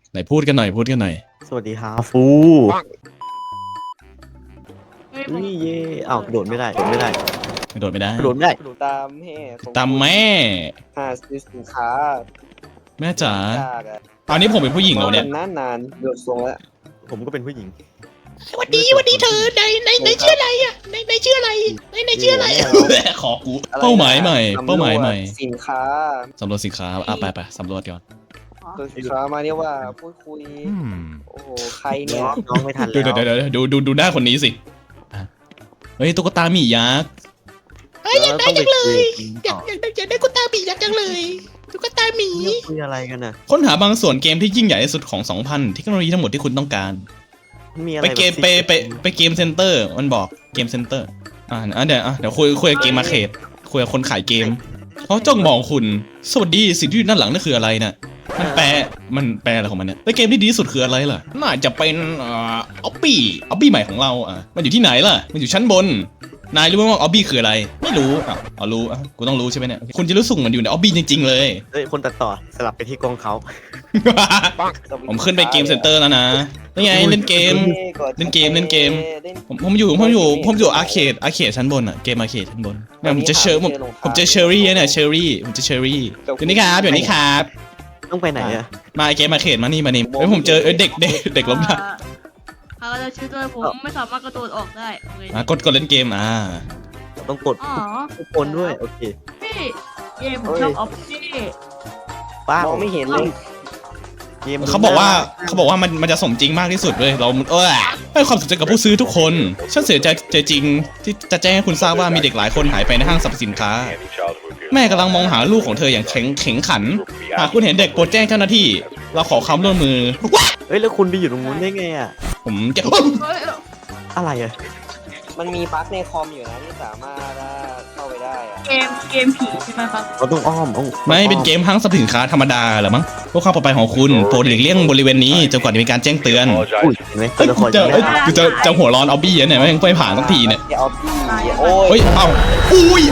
ไหนพูดกันหน่อยพูดกันหน่อยสวัสดีฮาฟูนี่เย่อ้าวโดดไม่ได้โดดไม่ได้ไม่โดดไม่ได้โดดไม่ได้ตามแม่ของตามแม่หาซื้อสินค้าแม่จ๋าจากอะตอนนี้ผมเป็นผู้หญิงแล้วเนี่ยนานๆเดือดทรงแล้วผมก็เป็นผู้หญิงสวัสดีเธอในชื่ออะไรอ่ะในชื่ออะไรในชื่ออะไรอะขอกูเป้าหมายใหม่เป้าหมายใหม่สินค้าสำรวจสินค้าไปสำรวจก่อนตัวสินค้ามาเนี่ยว่าพูดคุยโอ้โหใครเนี่ยน้องไม่ทันดูแล้วดูหน้าคนนี้สิอ่ะเฮ้ยตุ๊กตาหมียักษ์อยากได้จังเลยอยากได้กุตาบีอยากจังเลยตุ๊กตาหมีคุยอะไรกันน่ะค้นหาบางส่วนเกมที่ยิ่งใหญ่ที่สุดของ 2,000 เทคโนโลยีทั้งหมดที่คุณต้องการมีอะไรไปเกมไปเกมเซ็นเตอร์มันบอกเกมเซ็นเตอร์เดี๋ยวคุยกับเกมมาเขตคุยกับคนขายเกมเขาจ้องมองคุณสวัสดีสิ่งที่อยู่ด้านหลังนั่นคืออะไรน่ะมันแปลอะไรของมันเนี่ยแล้วเกมที่ดีที่สุดคืออะไรล่ะน่าจะเป็นออบบี้ใหม่ของเรามันอยู่ที่ไหนล่ะมันอยู่ชั้นบนนายรู้ไหมว่าออบบี้คืออะไรไม่รู้รู้กูต้องรู้ใช่ไหมเนี่ยคุณจะรู้สึกเหมันอยู่ในออบบี้จริงๆเลยเฮ้ยคนตัดต่อสลับไปที่กล้องเขาผมขึ้นไปเกมเซ็นเตอร์แล้วนะนี่ไงเล่นเกม เล่นเกม ผมอยู่อาร์เคดชั้นบนเกมอาร์เคดชั้นบนเนี่ยผมจะเชอร์ผมจะเชอรี่เนี่ยเชอรี่อยู่นี่ครับต้องไปไหนอะมาเกมอาร์เคดมานี่เฮ้ยผมเจอเด็กล้มได้เขาจะชื่อด้วยผมไม่สามารถกระโดดออกได้โอเคกดเล่นเกมต้องกดอ๋อทุกคนด้วยโอเคพี่เย่ผมชอบออฟฟี่ป้ามองไม่เห็นเลยเกมเขาบอกว่ามันจะสมจริงมากที่สุดเลยเราให้ความสนใจกับผู้ซื้อทุกคนฉันเสียใจจริงที่จะแจ้งให้คุณทราบว่ามีเด็กหลายคนหายไปในห้างสรรพสินค้าแม่กำลังมองหาลูกของเธออย่างแข็งขันหากคุณเห็นเด็กโปรดแจ้งเจ้าหน้าที่เราขอความร่วมมือเฮ้ยแล้วคุณไปอยู่ตรงนู้นได้ไงอะผมจะเฮ้ยอะไรอะมันมีบั๊กในคอมอยู่นะที่สามารถเข้าไปได้อะเกมผีใช่ไหมครับเราต้องอ้อมไม่เป็นเกมห้างสรรพสินค้าธรรมดาเหรอมั้งเพื่อความปลอดภัยของคุณโปรดหลีกเลี่ยงบริเวณนี้จนกว่าจะมีการแจ้งเตือนอุ้ยเห็นไหมตัวละครยังไม่ได้จะหัวร้อนเอาบี้เนี่ยไม่ผ่านสักทีเนี่ยที่เอาพี่โอ้เฮ้ยยอุ้ย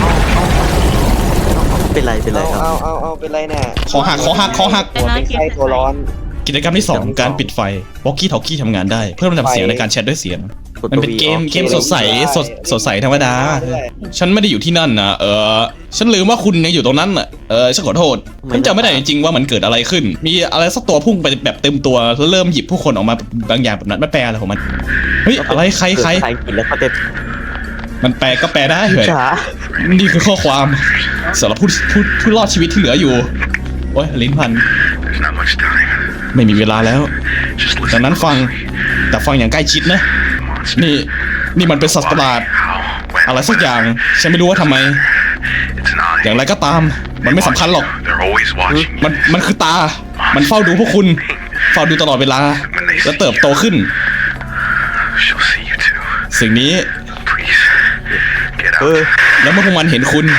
เป็นไรครับเอาเป็นไรเนี่ยคอหักหัวเป็นไข้ตัวร้อนกิจกรรมที่ 2 การปิดไฟวอกกี้ทอกกี้ทำงานได้เพื่อลำดับเสียงในการแชทด้วยเสียงมันเป็นเกมสดใสธรรมดาฉันไม่ได้อยู่ที่นั่นนะฉันลืมว่าคุณเนี่ยอยู่ตรงนั้นน่ะฉันขอโทษฉันจำไม่ได้จริงๆว่ามันเกิดอะไรขึ้นมีอะไรสักตัวพุ่งไปแบบเต็มตัวแล้วเริ่มหยิบผู้คนออกมาบางอย่างแบบนั้นไม่แปลอะไรของมันเฮ้ยอะไรใครกินแล้วเขาจะมันแปลก็แปลได้เหรอช้านี่คือข้อความสำหรับผู้รอดชีวิตที่เหลืออยู่โอ้ยลิ้นพันไม่มีเวลาแล้วดังนั้นฟังอย่างใกล้ชิดนะนี่มันเป็นสัตว์ประหลาดอะไรสักอย่างฉันไม่รู้ว่าทำไมอย่างไรก็ตามมันไม่สำคัญหรอกมันคือตามันเฝ้าดูพวกคุณเฝ้าดูตลอดเวลาและเติบโตขึ้นสิ่งนี้แล้วเมื่อพวกมันเห็นคุณ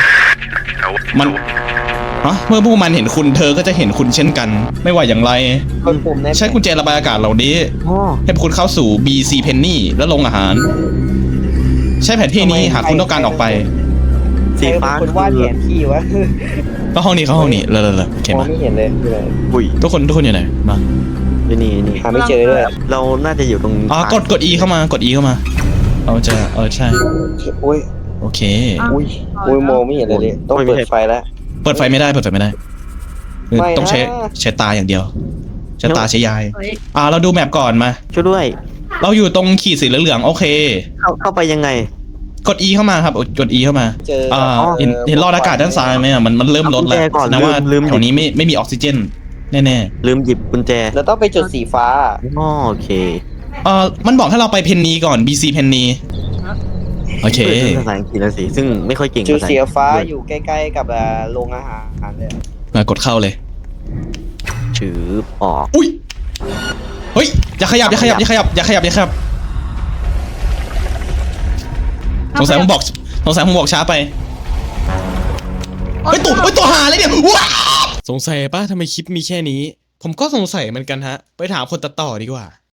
เมื่อพวกมันเห็นคุณเธอก็จะเห็นคุณเช่นกันไม่ว่าอย่างไรใช้กุญแจระบายอากาศเหล่านี้ให้คุณเข้าสู่ BC Penny และโรงอาหาร ใช้แผนที่นี้หากคุณต้องการออกไปสีฟ้าคนวาดแผนที่วะเข้าห้องนี้เลยโอเคมองมาไม่เห็นเลยอุ้ยทุกคนอยู่ไหนมานี่หาไม่เจอด้วยเราน่าจะอยู่ตรงกด E เข้ามาเราจะใช่โอ้ยโอเคอุ้ยมองไม่เห็นเลยต้องเปิดไฟแล้วเปิดไฟไม่ได้ต้องใช้ตาอย่างเดียวใช้ตาใช้ยายเราดูแมปก่อนมาช่วยด้วยเราอยู่ตรงขีดสีเหลืองๆโอเคเข้าไปยังไงกด E เข้ามาครับกด E เข้ามาเจอเห็นหลอดอากาศด้านซ้ายไหมมันเริ่มลดแล้วนะว่าแถวนี้ไม่มีออกซิเจนแน่ลืมหยิบกุญแจเราต้องไปจุดสีฟ้าโอเคมันบอกให้เราไปเพนนีก่อน BC เพนนีโอเคภาษาอังกฤษแล้วสิซึ่งไม่ค่อยเก่งจุดสีฟ้าอยู่ใกล้ๆกับโรงอาหารเลยมากดเข้าเลยถือออกอุ้ยเฮ้ยอย่าขยับสงสัยผมบอกช้าไปเฮ้ยตัวหาเลยเนี่ยว้าสงสัยป่ะทำไมคลิปมีแค่นี้ผมก็สงสัยเหมือนกันฮะไปถามคนตัดต่อดีกว่า